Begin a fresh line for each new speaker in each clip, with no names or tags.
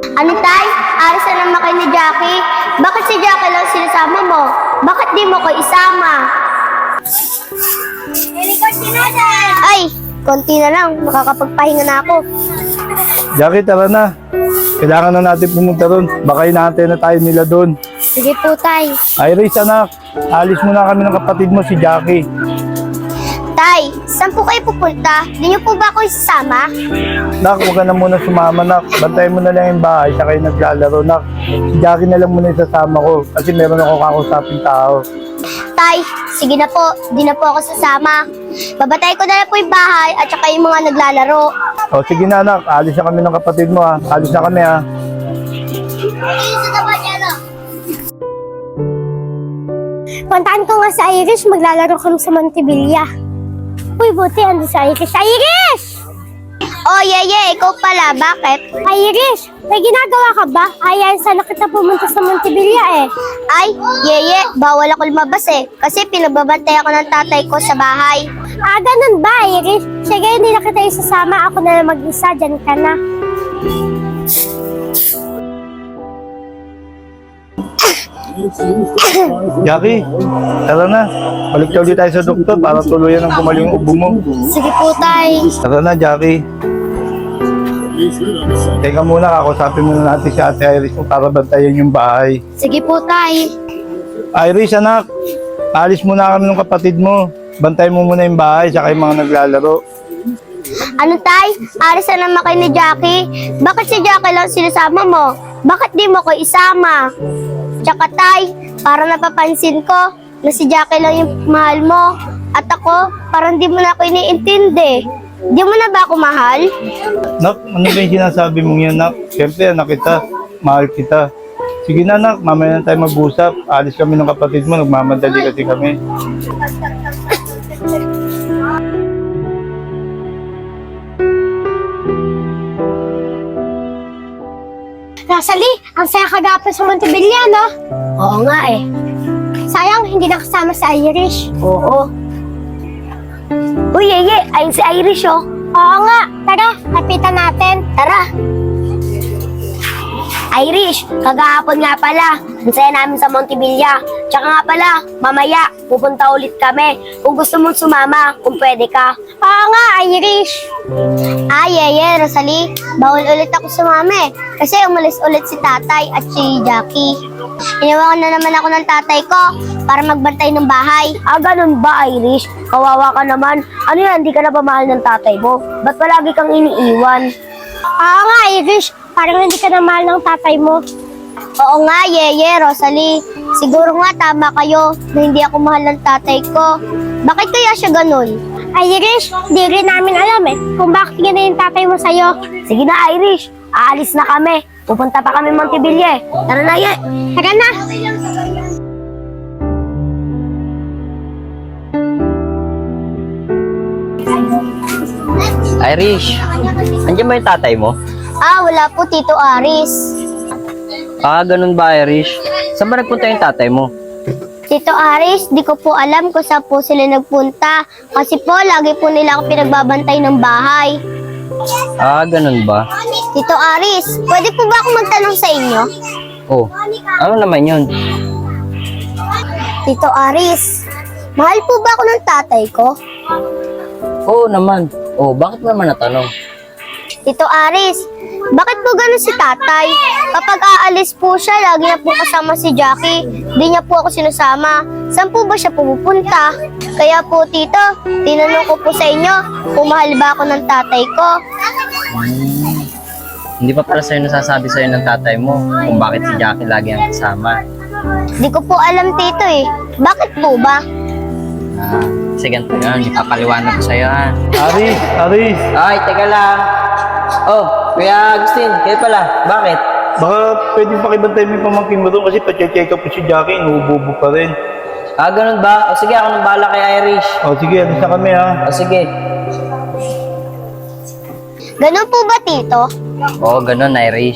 Ano tay? Alis na naman kayo ni Jackie? Bakit si Jackie lang sinasama mo? Bakit di mo ko isama? Ay, konti na lang. Makakapagpahinga na ako.
Jackie, tara na. Kailangan na natin pumunta doon. Baka inaantay na tayo nila doon.
Sige po tay.
Iris, anak. Alis muna kami ng kapatid mo, si Jackie.
Tay, saan po kayo pupunta? Di niyo po ba ako isasama?
Nak, huwag ka na muna sumama, nak. Bantayan mo na lang yung bahay, saka yung naglalaro, nak. Si Jackie na lang muna isasama ko kasi meron ako kakusaping tao.
Tay, sige na po. Di na po ako sasama. Babatay ko na lang po yung bahay at saka yung mga naglalaro.
O, sige na, nak. Alis na kami ng kapatid mo, ha. Alis na kami, ha.
Puntaan ko nga sa Irish, maglalaro kami sa Montevilla. Uy, buti ando sa Irish. Irish! Oh, Yeye, ikaw pala. Bakit? Irish, may ginagawa ka ba? Ayain sana kita pumunta sa Montevilla eh. Ay, Yeye, bawal ako lumabas eh. Kasi pinagbabantay ako ng tatay ko sa bahay. Ah, ganun ba, Irish? Sige, hindi na kita isasama. Ako na lang mag-isa. Diyan ka na.
Jackie, tara na. Balik ulit tayo sa doktor para tuluyan ang gumaling yung ubo mo.
Sige po, tay.
Tara na, Jackie. Teka muna, kakusapin muna natin si Ate Iris kung para bantayan yung bahay.
Sige po, tay.
Iris, anak. Alis muna kami ng kapatid mo. Bantay mo muna yung bahay, saka yung mga naglalaro.
Ano, tay? Aris na naman kayo ni Jackie? Bakit si Jackie lang sinasama mo? Bakit di mo ko isama? Tsaka, tay, para napapansin ko na si Jackie lang yung mahal mo. At ako, parang di mo na ako iniintindi. Di mo na ba ako mahal?
Nak, ano ba yung sinasabi mong yan, nak? Siyempre, anak kita. Mahal kita. Sige na, nak. Mamaya na tayo mag-usap. Alis kami ng kapatid mo. Nagmamadali kasi kami.
Rosalie, ang saya kagapon sa Montevilla, no? Oo nga eh. Sayang, hindi nakasama si Irish. Oo. Uy, Yeye, ayun si Irish, oh. Oo nga. Tara, lapitan natin. Tara. Irish, kagahapon nga pala. Ang saya namin sa Montevilla. Tsaka nga pala, mamaya, pupunta ulit kami. Kung gusto mong sumama, kung pwede ka. Oo nga, Irish. Yeye, Rosalie, bawal ulit ako sumama eh. Kasi umalis ulit si tatay at si Jackie. Iniwan na naman ako ng tatay ko para magbantay ng bahay. Ganun ba, Irish? Kawawa ka naman. Ano yan, di ka na ba mahal ng tatay mo? Ba't palagi kang iniiwan? Oo nga, Irish. Parang hindi ka na mahal ng tatay mo. Oo nga, Yeye, Rosalie. Siguro nga tama kayo na hindi ako mahal ng tatay ko. Bakit kaya siya ganun? Irish, di rin namin alam eh kung bakit ganun yung tatay mo sa'yo. Sige na, Irish. Aalis na kami. Pupunta pa kami Montevilla eh. Tara na, Ye. Tara na.
Irish, andiyan ba yung tatay mo?
Wala po, Tito Aris.
Ganun ba, Irish? Saan ba nagpunta yung tatay mo?
Tito Aris, di ko po alam kung saan po sila nagpunta. Kasi po, lagi po nila ako pinagbabantay ng bahay.
Ganun ba?
Tito Aris, pwede po ba ako magtanong sa inyo?
Oh, ano naman yun?
Tito Aris, mahal po ba ako ng tatay ko?
Oo naman. Oh, bakit naman natanong?
Tito Aris, bakit po ganun si tatay? Kapag aalis po siya, lagi na po kasama si Jackie. Di niya po ako sinasama. Saan po ba siya pupunta? Kaya po, Tito, tinanong ko po sa inyo kung mahal ba ako ng tatay ko.
Hindi pa para sa'yo nasasabi sa'yo ng tatay mo kung bakit si Jackie lagi ang kasama.
Di ko po alam, Tito eh. Bakit po ba?
Kasi ganito yun, ipapaliwanag ko sa'yo ha.
Aris, Aris.
Ay, teka lang. Oh, Kuya Agustin, kayo pala. Bakit?
Baka pwede pakibantay mo yung pamangkin mo doon kasi pa-check up po si Jackie. Inuubo pa rin.
Ganun ba? O sige, ako nang bahala kay Irish.
O sige, alis na kami, ha.
O sige.
Ganun po ba, Tito?
Oo, ganun, Irish.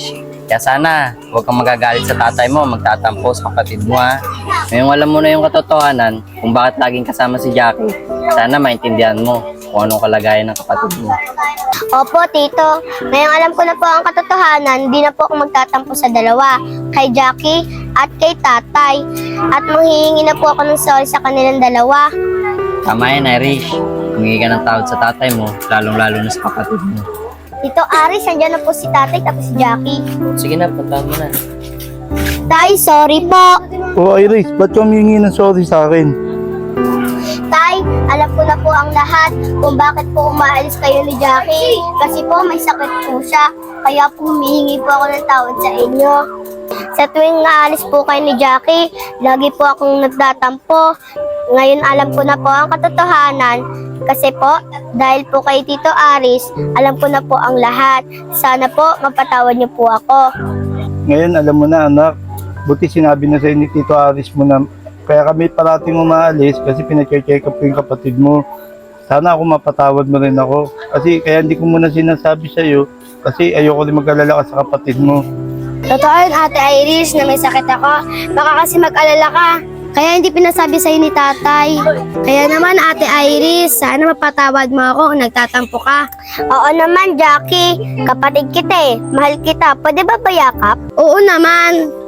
Kaya sana, huwag kang magagalit sa tatay mo, magtatampo sa kapatid mo ha. Ngayong alam mo na yung katotohanan kung bakit laging kasama si Jackie, sana maintindihan mo kung anong kalagayan ng kapatid mo.
Opo, Tito. Ngayong alam ko na po ang katotohanan, di na po ako magtatampo sa dalawa, kay Jackie at kay tatay. At manghihingi na po ako ng sorry sa kanilang dalawa.
Tama yan, Irish. Humingi ka ng tawad sa tatay mo, lalong-lalo na sa kapatid mo.
Tito Aris, andyan na po si tatay tapos si Jackie.
Sige na, puntahan mo na.
Tay, sorry po.
O Iris, ba't ka humingi ng sorry sa akin?
Tay, alam ko na po ang lahat kung bakit po umaalis kayo ni Jackie. Kasi po may sakit po siya. Kaya po humihingi po ako ng tawad sa inyo. Sa tuwing naalis po kayo ni Jackie, lagi po akong nagtatampo. Ngayon alam ko na po ang katotohanan. Kasi po, dahil po kay Tito Aris, alam ko na po ang lahat. Sana po mapatawad niyo po ako.
Ngayon, alam mo na anak, buti sinabi na sa'yo ni Tito Aris mo na kaya kami parating umaalis kasi pinacheck up ko yung kapatid mo. Sana ako mapatawad mo rin ako. Kasi kaya hindi ko muna sinasabi sa'yo kasi ayoko rin mag-alala ka sa kapatid mo.
Totoo yun, Ate Iris, na may sakit ako. Baka kasi mag-alala ka. Kaya hindi pinasabi sa'yo ni tatay. Kaya naman, Ate Iris, sana mapatawad mo ako kung nagtatampo ka. Oo naman, Jackie. Kapatid kita eh. Mahal kita. Pwede ba bayakap? Oo naman.